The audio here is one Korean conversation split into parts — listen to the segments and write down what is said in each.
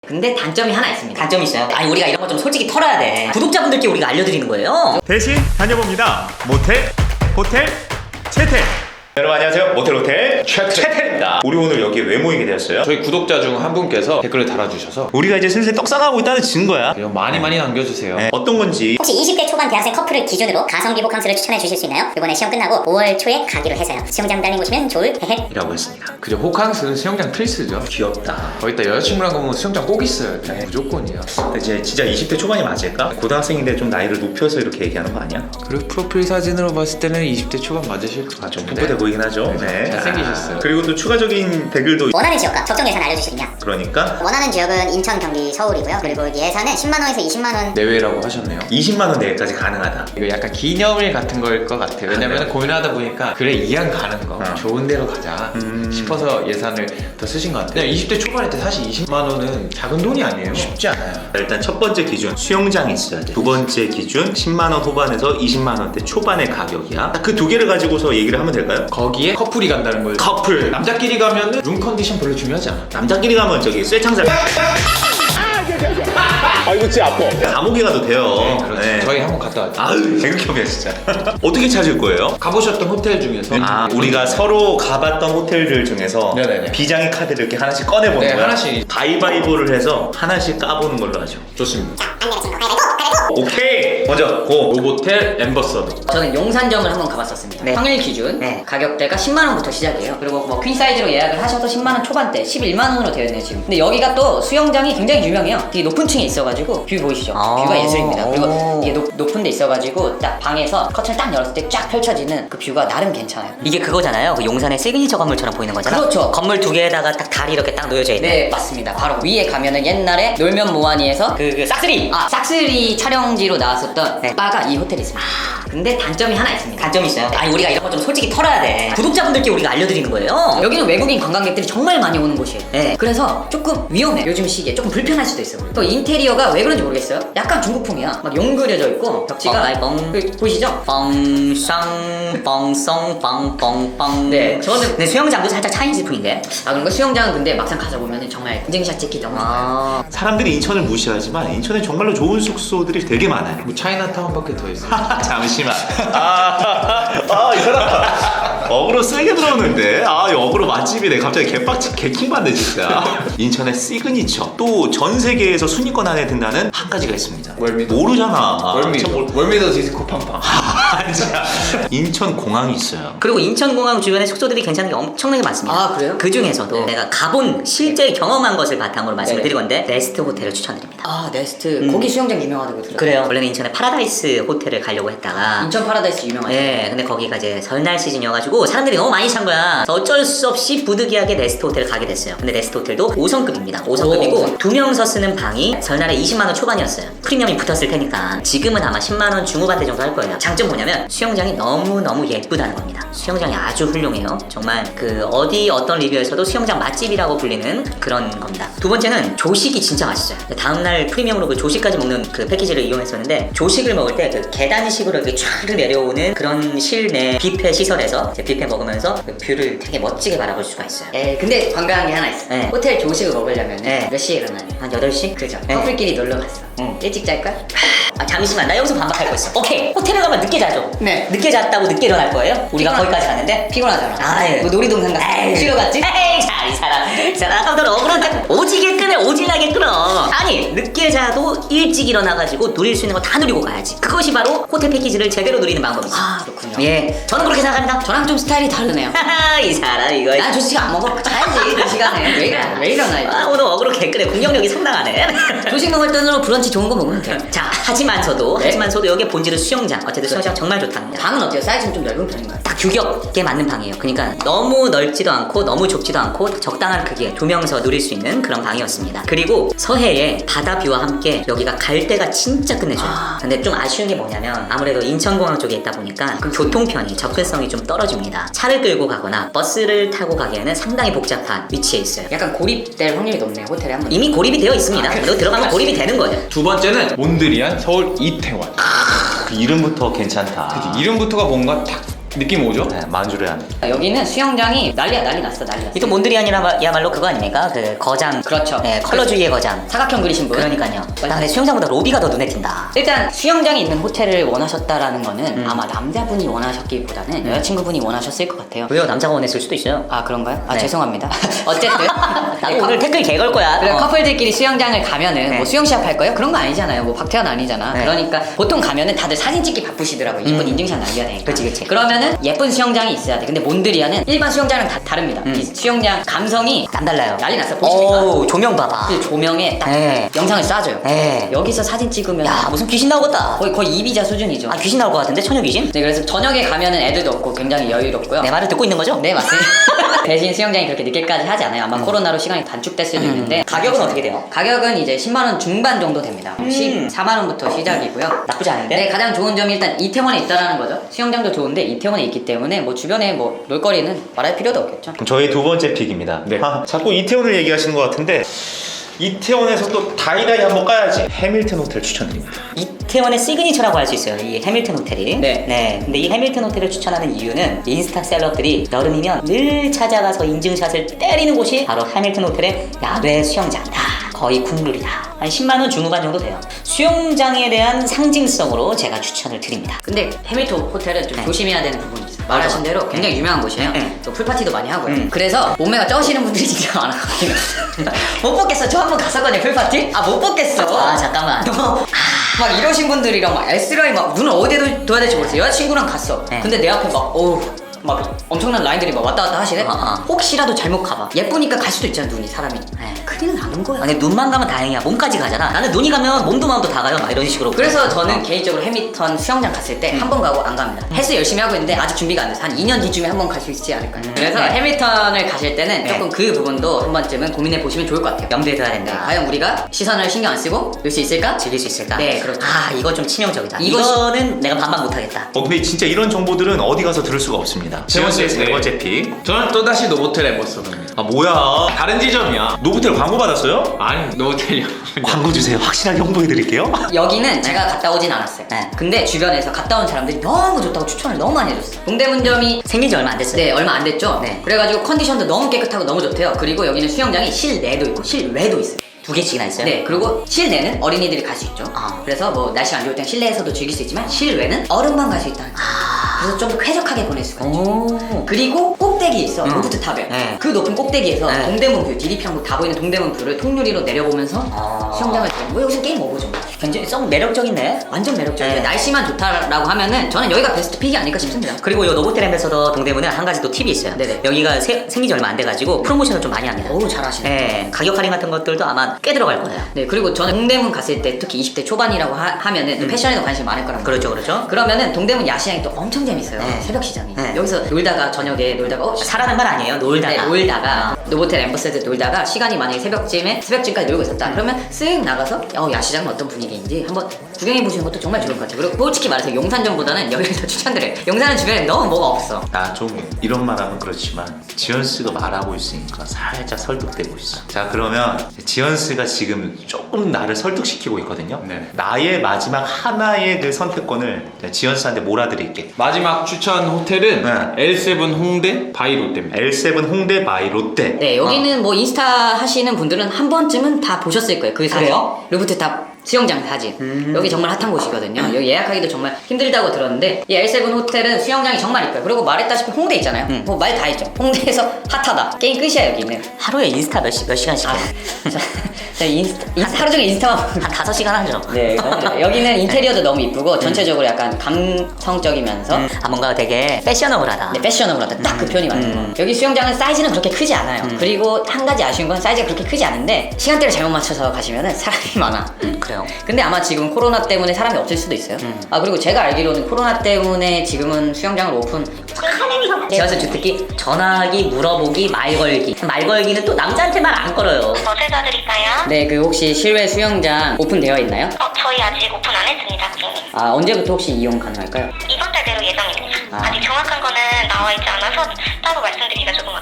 근데 단점이 하나 있습니다. 단점이 있어요? 아니 우리가 이런 거 좀 솔직히 털어야 돼. 구독자분들께 우리가 알려드리는 거예요. 대신 다녀봅니다. 모텔, 호텔, 채텔. 여러분 안녕하세요. 모텔 호텔 채텔입니다. 우리 오늘 여기 왜 모이게 되었어요? 저희 구독자 중 한 분께서 댓글을 달아주셔서 우리가 이제 슬슬 떡상하고 있다는 증거야. 많이 남겨주세요. 네, 어떤 건지. 혹시 20대 초반 대학생 커플을 기준으로 가성비 호캉스를 추천해 주실 수 있나요? 이번에 시험 끝나고 5월 초에 가기로 해서요. 수영장 딸린 곳이면 좋을 헤헤 이라고 했습니다. 그죠, 호캉스는 수영장 필수죠. 귀엽다. 거기다 여자친구랑 가면 수영장 꼭 있어요. 네. 무조건이야. 이제 진짜 20대 초반이 맞을까? 고등학생인데 좀 나이를 높여서 이렇게 얘기하는 거 아니야? 그리고 프로필 사진으로 봤을 때는 20대 초반 맞으실 것 같아요. 좀 풋풋해 보이긴 하죠. 네. 잘생기셨어요. 그리고 또 추가적인 댓글도 원하는 지역과 적정 예산 알려주시겠냐? 그러니까 원하는 지역은 인천, 경기, 서울이고요. 그리고 예산은 10만원에서 20만원. 내외라고 하셨네요. 20만 원 내외까지 가능하다. 이거 약간 기념일 같은 거일 것 같아요. 왜냐면 고민하다 보니까 그래 이왕 가는 거 좋은 데로 가자 싶어서 예산을 더 쓰신 것 같아요. 그냥 20대 초반일 때 사실 20만 원은 작은 돈이 아니에요. 쉽지 않아요. 일단 첫 번째 기준 수영장이 있어야 돼. 두 번째 기준 10만 원 후반에서 20만 원대 초반의 가격이야. 그 두 개를 가지고서 얘기를 하면 될까요? 거기에 커플이 간다는 거예요. 커플. 남자끼리 가면은 룸 컨디션 별로 중요하지 않아. 남자끼리 가면 저기 쇠창살. 아 이거 진짜 아파. 감옥에 가도 돼요. 그렇죠. 네. 저희 한번 갔다 왔죠. 아유 개극혐이야 진짜. 어떻게 찾을 거예요? 가보셨던 호텔 중에서 우리가 서로 가봤던 호텔들 중에서 네네네. 비장의 카드를 이렇게 하나씩 꺼내보는 네, 거야. 하나씩. 가위바위보를 해서 하나씩 까보는 걸로 하죠. 좋습니다. 오케이. 먼저 고. 노보텔 엠버서드. 저는 용산점을 한번 가봤었습니다. 네. 평일 기준 네. 가격대가 10만 원부터 시작이에요. 그리고 뭐 퀸 사이즈로 예약을 하셔도 10만 원 초반대, 11만 원으로 되어 있네요 지금. 근데 여기가 또 수영장이 굉장히 유명해요. 되게 높은 층에 있어가지고 뷰 보이시죠? 뷰가 예술입니다. 그리고 이게 높은 데 있어가지고 딱 방에서 커튼을 딱 열었을 때 쫙 펼쳐지는 그 뷰가 나름 괜찮아요. 이게 그거잖아요. 그 용산의 시그니처 건물처럼 보이는 거잖아. 그렇죠. 건물 두 개에다가 딱 달이 이렇게 딱 놓여져 있네. 네 맞습니다. 바로 위에 가면은 옛날에 놀면 뭐하니에서 그 싹쓸이. 싹쓸이 촬영지로 나왔었던 네. 바가 이 호텔에 있습니다. 근데 단점이 하나 있습니다. 단점이 있어요. 아니 우리가 이런 거 좀 솔직히 털어야 돼. 구독자분들께 우리가 알려드리는 거예요. 여기는 외국인 관광객들이 정말 많이 오는 곳이에요. 네. 그래서 조금 위험해. 요즘 시기에 조금 불편할 수도 있어요. 또 인테리어가 왜 그런지 모르겠어요. 약간 중국풍이야. 막 용 그려져 있고 벽지가 보이시죠? 뻥쌍 뻥썽 빵뻥빵. 네, 저는 근데 수영장도 살짝 차이니즈 풍인데. 그런 거 수영장은 근데 막상 가서 보면은 정말 인증샷 찍기 너무 좋아요. 사람들이 인천을 무시하지만 인천에 정말로 좋은 숙소들이 되게 많아요. 뭐 차이나타운밖에 더 있어요. 잠시만. 이 사람 어그로 세게 들어오는데. 이 어그로 맛집이네. 갑자기 개킹 받네 진짜. 인천의 시그니처. 또 전 세계에서 순위권 안에 든다는 한 가지가 있습니다. 월미도. 모르잖아. 월미도 디스코 팡팡. 진짜. 인천 공항이 있어요. 그리고 인천공항 주변에 숙소들이 괜찮은 게 엄청나게 많습니다. 아, 그래요? 그 중에서도 내가 가본 실제 경험한 것을 바탕으로 말씀을 네네. 드릴 건데 레스트 호텔을 추천드립니다. 네스트 거기 수영장 유명하다고 들어요. 그래요. 원래는 인천에 파라다이스 호텔을 가려고 했다가 인천 파라다이스 유명하죠. 네, 근데 거기가 이제 설날 시즌이어가지고 사람들이 너무 많이 찬 거야. 그래서 어쩔 수 없이 부득이하게 레스트 호텔을 가게 됐어요. 근데 레스트 호텔도 5성급입니다. 5성급이고 2명서 쓰는 방이 설날에 20만 원 초반이었어요. 프리미엄이 붙었을 테니까 지금은 아마 10만 원 중후반대 정도 할 거예요. 장점 뭐냐면 수영장이 너무너무 예쁘다는 겁니다. 수영장이 아주 훌륭해요. 정말 그 어떤 리뷰에서도 수영장 맛집이라고 불리는 그런 겁니다. 두 번째는 조식이 진짜 맛있어요. 다음날 프리미엄으로 그 조식까지 먹는 그 패키지를 이용했었는데 조식을 먹을 때 그 계단식으로 이렇게 촤르 내려오는 그런 실내 뷔페 시설에서 이제 뷔페 먹으면서 그 뷰를 되게 멋지게 바라볼 수가 있어요. 근데 관광한 게 하나 있어. 네. 호텔 조식을 먹으려면 네. 몇 시에 일어나냐? 한 8시? 그죠? 네. 커플끼리 놀러 갔어. 일찍 잘까? 잠시만, 나 여기서 반박할 거 있어. 오케이, 호텔에 가면 늦게 자죠. 네. 늦게 잤다고 늦게 일어날 거예요? 우리가 거기까지 갔는데 피곤하잖아. 예. 뭐 놀이동산 갔어. 쉬러 갔지? 에이, 자, 이 사람 아까부터 억울한데 오지게 끄네, 오질나게 끌어. 아니, 늦게 자도 일찍 일어나가지고 누릴 수 있는 거 다 누리고 가야지. 그것이 바로 호텔 패키지를 제대로 누리는 방법이지. 그렇군요. 예, 저는 그렇게 생각합니다. 저랑 좀 스타일이 다르네요. 이 사람 이거. 난 조식 안 먹어. 자야지 그 시간에. 왜 일어나? 오늘 어그로 개끄네. 공격력이 상당하네. 조식 먹을 돈으로 브런치 좋은 거 먹으면 돼. 자, 하지만서도 네. 여기에 본질은 수영장. 어쨌든 수영장 정말 좋답니다. 방은 어때요? 사이즈는 좀 넓은 편인가요? 딱 규격에 맞는 방이에요. 그러니까 너무 넓지도 않고 너무 좁지도 않고 적당한 크기에 2명서 누릴 수 있는 그런 방이었습니다. 그리고 서해에 바다 뷰와 함께 여기가 갈대가 진짜 끝내줘요. 근데 좀 아쉬운 게 뭐냐면 아무래도 인천공항 쪽에 있다 보니까 그 교통편이 접근성이 좀 떨어집니다. 차를 끌고 가거나 버스를 타고 가기에는 상당히 복잡한 위치에 있어요. 약간 고립될 확률이 높네요. 호텔에 한 번. 이미 고립이 되어 있습니다. 너 들어가면 고립이 되는 거죠. 두 번째는 몬드리안 서울 이태원. 그 이름부터 괜찮다. 이름부터가 뭔가 딱 느낌 오죠? 네, 만주리안. 여기는 수영장이 난리 났어. 이또 몬드리안이야말로 그거 아닙니까? 그 거장. 그렇죠. 네, 컬러주의의 거장. 사각형 그리신 분. 그러니까요. 나 근데 수영장보다 로비가 더 눈에 띈다. 일단 수영장이 있는 호텔을 원하셨다라는 거는 아마 남자분이 원하셨기보다는 여자친구분이 원하셨을 것 같아요. 왜요? 남자가 원했을 수도 있어요. 아 그런가요? 아 네. 죄송합니다. 어쨌든 나 오늘 댓글 개걸 거야. 그래, 커플들끼리 수영장을 가면은 네. 뭐 수영 시합 할 거예요? 그런 거 아니잖아요. 뭐 박태환 아니잖아. 네. 그러니까 보통 가면은 다들 사진 찍기 바쁘시더라고요. 이쁜 인증샷 남겨야 되니까. 그치. 그러면은 예쁜 수영장이 있어야 돼. 근데 몬드리안은 일반 수영장이랑 다릅니다. 이 수영장 감성이 남달라요. 난리 났어. 보십니까? 오, 조명 봐봐. 그 조명에 딱 네. 영상을 쏴줘요. 네. 여기서 사진 찍으면 야, 무슨 귀신 나오겠다. 거의 이비자 수준이죠. 아, 귀신 나올 것 같은데? 처녀 귀신? 네, 그래서 저녁에 가면은 애들도 없고 굉장히 여유롭고요. 내 말을 듣고 있는 거죠? 네, 맞습니다. 대신 수영장이 그렇게 늦게까지 하지 않아요. 아마 코로나로 시간이 단축될 수도 있는데 가격은 어떻게 돼요? 가격은 이제 10만 원 중반 정도 됩니다. 14만 원부터 시작이고요. 나쁘지 않은데? 네, 가장 좋은 점이 일단 이태원에 있다라는 거죠. 수영장도 좋은데 이태원에 있기 때문에 뭐 주변에 뭐 놀거리는 말할 필요도 없겠죠. 그럼 저희 두 번째 픽입니다. 네. 아, 자꾸 이태원을 얘기하시는 것 같은데 이태원에서 또 다이다이 한번 까야지. 해밀턴 호텔 추천드립니다. 이태원의 시그니처라고 할 수 있어요. 이 해밀턴 호텔이. 네. 근데 이 해밀턴 호텔을 추천하는 이유는 인스타 셀럽들이 여름이면 늘 찾아가서 인증샷을 때리는 곳이 바로 해밀턴 호텔의 야외 수영장이다. 거의 국룰이다. 한 10만 원 중후반 정도 돼요. 수영장에 대한 상징성으로 제가 추천을 드립니다. 근데 해밀턴 호텔은 좀 네. 조심해야 되는 부분이 있어요. 말하신 대로 굉장히 유명한 곳이에요. 네. 또 풀파티도 많이 하고요. 음. 그래서 몸매가 쩌시는 분들이 진짜 많아요. 못 뽑겠어. 저 한 번 갔었거든요. 풀파티? 아 못 뽑겠어. 아, 잠깐만. 너무 막 이러신 분들이랑 막 S라인 막 눈을 어디에 둬야 될지 모르겠어요. 여자친구랑 갔어. 네. 근데 내 앞에 막 어우 막 엄청난 라인들이 막 왔다 갔다 하시네. 혹시라도 잘못 가봐. 예쁘니까 갈 수도 있잖아 눈이 사람이. 네. 큰일 나는 거야. 아니, 눈만 가면 다행이야. 몸까지 가잖아. 나는 눈이 가면 몸도 마음도 다 가요. 막 이런 식으로. 그래서 저는 개인적으로 해밀턴 수영장 갔을 때 한 번 가고 안 갑니다. 헬스 열심히 하고 있는데 아직 준비가 안 돼서 한 2년 뒤쯤에 한 번 갈 수 있지 않을까요? 그래서 네. 해밀턴을 가실 때는 네. 조금 그 부분도 한 번쯤은 고민해 보시면 좋을 것 같아요. 염두에 둬야 네, 된다. 과연 우리가 시선을 신경 안 쓰고 놀 수 있을까? 즐길 수 있을까? 네, 그렇죠. 아, 이거 좀 치명적이다. 이것이- 이거는 내가 반박 못하겠다. 근데 진짜 이런 정보들은 어디 가서 들을 수가 없습니다. 지원씨의 세 번째 픽. 저는 또다시 노보텔 엠버서더입니다. 아 뭐야? 다른 지점이야. 노브텔 광고 받았어요? 아니, 노보텔이요. 광고 주세요. 확실하게 홍보해드릴게요. 여기는 제가 갔다 오진 않았어요. 네. 근데 주변에서 갔다 온 사람들이 너무 좋다고 추천을 너무 많이 해줬어요. 동대문점이 생긴 지 얼마 안 됐어요. 네, 얼마 안 됐죠? 네. 그래가지고 컨디션도 너무 깨끗하고 너무 좋대요. 그리고 여기는 수영장이 실내도 있고 실외도 있어요. 두 개씩이나 있어요? 네, 그리고 실내는 어린이들이 갈 수 있죠. 아. 그래서 뭐 날씨가 안 좋을 땐 실내에서도 즐길 수 있지만 실외는 어른만 갈 수 있다는 거예요. 그래서 좀 더 쾌적하게 보낼 수가 있죠. 오. 그리고 꼭대기 있어, 루프트 탑에. 네. 그 높은 꼭대기에서 네. 동대문 뷰, 디리평구 다 보이는 동대문 뷰를 통유리로 내려보면서 아. 수영장을 뭐 여기서 게임 오버죠. 굉장히 좀 매력적이네. 완전 매력적이에요. 네. 날씨만 좋다라고 하면은 저는 여기가 베스트 픽이 아닐까 싶습니다. 그리고 이 노보텔 엠베서더 동대문은 한 가지 또 팁이 있어요. 네네. 여기가 생긴 지 얼마 안 돼가지고 프로모션을 좀 많이 합니다. 어우, 잘하시네. 네, 가격 할인 같은 것들도 아마 꽤 들어갈 거예요. 네, 그리고 저는 동대문 갔을 때 특히 20대 초반이라고 하면은 또 패션에도 관심이 많을 거란 말이에요. 그렇죠. 그러면은 동대문 야시장이 또 엄청 재밌어요. 네. 새벽 시장이. 네. 여기서 놀다가 저녁에 놀다가 사라는 말 아니에요. 놀다가. 네, 놀다가 노보텔 엠버서드 놀다가 시간이 만약에 새벽쯤까지 놀고 있었다. 그러면 쓱 나가서 야시장은 어떤 분위기인지 한번 구경해 보시는 것도 정말 좋을 것 같아요. 그리고 솔직히 말해서 용산점보다는 여기를 더 추천드려요. 용산은 주변에 너무 뭐가 없어. 나 좀 이런 말하면 그렇지만 지연씨가 말하고 있으니까 살짝 설득되고 있어. 자 그러면 지연씨가 지금 조금 나를 설득시키고 있거든요. 네. 나의 마지막 하나의 그 선택권을 지연씨한테 몰아드릴게. 마지막 추천 호텔은 L7 홍대 바이 롯데입니다. L7 홍대 바이 롯데. 네, 여기는 뭐 인스타 하시는 분들은 한 번쯤은 다 보셨을 거예요. 그 사진. 그래요? 루프트탑 수영장 사진. 여기 정말 핫한 곳이거든요. 여기 예약하기도 정말 힘들다고 들었는데 이 L7 호텔은 수영장이 정말 이뻐요. 그리고 말했다시피 홍대 있잖아요. 뭐 말 다 했죠. 홍대에서 핫하다. 게임 끝이야 여기는. 하루에 인스타 몇 시간씩 아, 해요? 자, 하루 종일 인스타만 보는 한 5시간 하죠. 네, 여기는 인테리어도 너무 이쁘고 전체적으로 약간 감성적이면서 아, 뭔가 되게 패셔너블하다. 네, 패셔너블하다. 딱 그 표현이 맞는 거. 여기 수영장은 사이즈는 그렇게 크지 않아요. 그리고 한 가지 아쉬운 건 사이즈가 그렇게 크지 않은데 시간대를 잘못 맞춰서 가시면은 사람이 많아. 그래요. 근데 아마 지금 코로나 때문에 사람이 없을 수도 있어요. 아 그리고 제가 알기로는 코로나 때문에 지금은 수영장을 오픈. 지하철 주특기 전화하기, 물어보기, 말 걸기. 말 걸기는 또 남자한테 말 안 걸어요. 뭐 도와드릴까요? 네, 그 혹시 실외 수영장 오픈되어 있나요? 저희 아직 오픈 안 했습니다, 고객님. 아 언제부터 혹시 이용 가능할까요? 이번 달 내로 예정입니다. 아. 아직 정확한 거는 나와 있지 않아서 따로 말씀드리기가 조금 어렵습니다.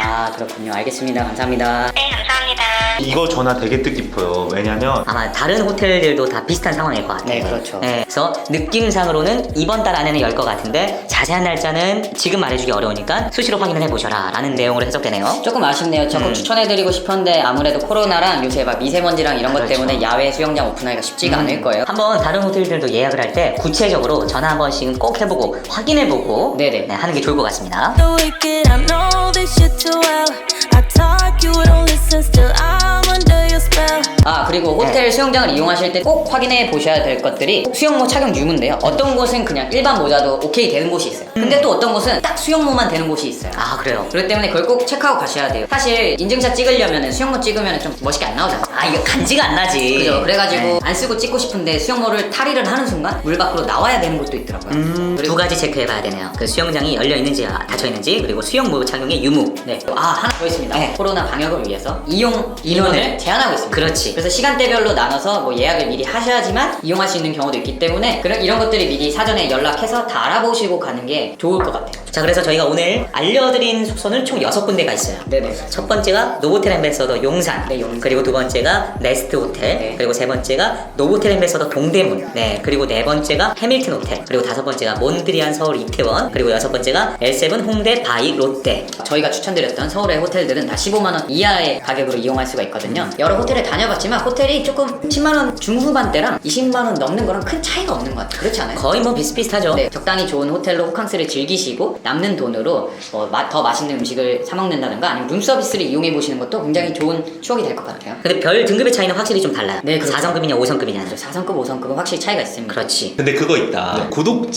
아 그렇군요. 알겠습니다. 감사합니다. 네, 감사합니다. 이거 전화 되게 뜻깊어요. 왜냐면 아마 다른 호텔들도 다 비슷한 상황일 것 같아요. 네, 그렇죠. 그래서 느낌상으로는 이번 달 안에는 열 것 같은데 자세한 날짜는 지금 말해주기 어려우니까 수시로 확인을 해보셔라 라는 내용으로 해석되네요. 조금 아쉽네요. 적극 추천해드리고 싶었는데 아무래도 코로나랑 요새 막 미세먼지랑 이런 것 그렇죠. 때문에 야외 수영장 오픈하기가 쉽지가 않을 거예요. 한번 다른 호텔들도 예약을 할 때 구체적으로 전화 한 번씩은 꼭 해보고 확인해보고 네네. 네, 하는 게 좋을 것 같습니다. The wicked, I know this shit too well. I talk, you don't listen, still I'm under your spell. 아 그리고 호텔 수영장을 이용하실 때 꼭 확인해 보셔야 될 것들이 수영모 착용 유무인데요. 어떤 곳은 그냥 일반 모자도 오케이 되는 곳이 있어요. 근데 또 어떤 곳은 딱 수영모만 되는 곳이 있어요. 아 그래요? 그렇기 때문에 그걸 꼭 체크하고 가셔야 돼요. 사실 인증샷 찍으려면 수영모 찍으면 좀 멋있게 안 나오잖아요. 아 이거 간지가 안 나지. 그죠? 그래가지고 네. 안 쓰고 찍고 싶은데 수영모를 탈의를 하는 순간 물 밖으로 나와야 되는 곳도 있더라고요. 두 가지 체크해봐야 되네요. 그 수영장이 열려있는지 닫혀있는지 그리고 수영모 착용의 유무. 네. 아 하나 더 있습니다. 네. 코로나 방역을 위해서 이용 인원을 제한하고 있습니다. 그렇지. 그래서 시간대별로 나눠서 뭐 예약을 미리 하셔야지만 이용할 수 있는 경우도 있기 때문에 이런 것들이 미리 사전에 연락해서 다 알아보시고 가는 게 좋을 것 같아요. 자 그래서 저희가 오늘 알려드린 숙소는 총 6군데가 있어요. 네네. 첫 번째가 노보텔 엠베서더 용산, 네, 용산. 그리고 두 번째가 네스트 호텔, 네. 그리고 세 번째가 노보텔 엠베서더 동대문, 네, 그리고 네 번째가 해밀튼 호텔, 그리고 다섯 번째가 몬드리안 서울 이태원, 그리고 여섯 번째가 L7 홍대 바이 롯데. 저희가 추천드렸던 서울의 호텔들은 다 15만원 이하의 가격으로 이용할 수가 있거든요. 여러 호텔을 다녀봤지만 호텔이 조금 10만원 중후반대랑 20만원 넘는 거랑 큰 차이가 없는 것 같아요. 그렇지 않아요? 거의 뭐 비슷비슷하죠. 네, 적당히 좋은 호텔로 호캉스를 즐기시고 남는 돈으로 더 맛있는 음식을 사 먹는다든가 아니면 룸서비스를 이용해 보시는 것도 굉장히 좋은 추억이 될 것 같아요. 근데 별 등급의 차이는 확실히 좀 달라요. 네, 그렇죠. 4성급이냐 5성급이냐. 4성급, 5성급은 확실히 차이가 있습니다. 그렇지. 근데 그거 있다.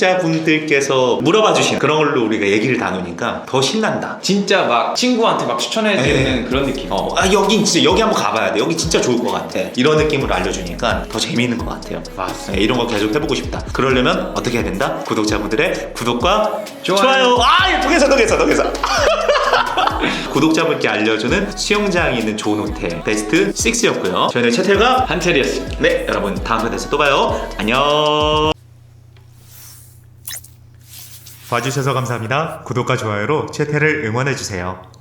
구독자분들께서 물어봐 주신 그런 걸로 우리가 얘기를 나누니까 더 신난다. 진짜 막 친구한테 막 추천해주는 그런 느낌. 여긴 진짜 여기 한번 가봐야 돼. 여기 진짜 좋을 것 같아. 이런 느낌으로 알려주니까 더 재미있는 것 같아요. 맞습니다. 네, 이런 거 계속 해보고 싶다. 그러려면 어떻게 해야 된다? 구독자분들의 구독과 좋아요. 아, 통해서. 구독자분께 알려주는 수영장이 있는 좋은 호텔 베스트 6였고요. 저희는 채텔과 한철이었습니다. 네, 여러분 다음 편에서 또 봐요. 안녕. 봐주셔서 감사합니다. 구독과 좋아요로 채태를 응원해주세요.